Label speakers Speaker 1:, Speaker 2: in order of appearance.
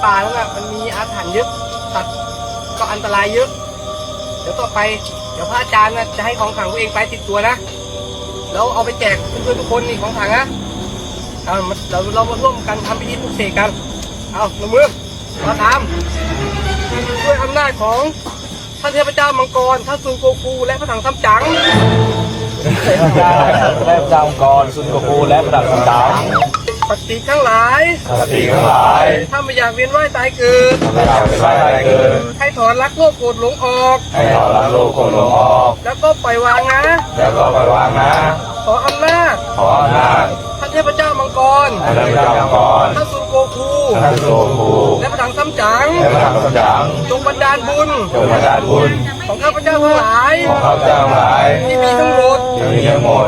Speaker 1: ป่าแล้วน่ะมันมีอาถรรพ์เยอะสัตว์ก็อันตรายเยอะเดี๋ยวต่อไปเดี๋ยวพระอาจารย์นะจะให้ของขลังตัวเองไปติดตัวนะแล้วเอาไปแจกเพื่อนๆทุกคนนี่ของขลังนะเอาเรามาร่วมกันทำพิธีปลุกเสกกันเอาหนุ่มมือมาทำด้วยอำนาจของท่านเทพเจ้ามังกรท่านซุนโกคูและพระถังซัมจั๋ง
Speaker 2: และพระองค์กรซุนโกคูและพระดับต่าง
Speaker 1: ปฏิทั้งหลาย
Speaker 2: สติทั้งหลาย
Speaker 1: ถ้าไม่อยากเวียนว่ายตายเกิด
Speaker 2: ไม่อยากเป็นไรเกิด
Speaker 1: ให้ถอนรักโลภโกรธหลงออก
Speaker 2: ให้เราละโลกโกรธหลงออก
Speaker 1: แล้วก็ปล่อยวางนะ
Speaker 2: แล้วก็ปล่อยวางนะ
Speaker 1: ขออำนาจ
Speaker 2: ขออำนาจ
Speaker 1: ท่านเทพเจ้ามังกร
Speaker 2: พระเจ้ามังกร
Speaker 1: ท่านซุนโกคู
Speaker 2: ท่านโลคู
Speaker 1: และพระถังซัมจั๋ง
Speaker 2: และพระดับต่าง
Speaker 1: จงบันดาลบุญ
Speaker 2: จงบันดาลบุญ
Speaker 1: ของข้าพเจ้าทั้งหลาย
Speaker 2: ของข้าพเจ้าทั้งหลาย
Speaker 1: ที่มีทั้งหมด
Speaker 2: ที่มีทั้งหมด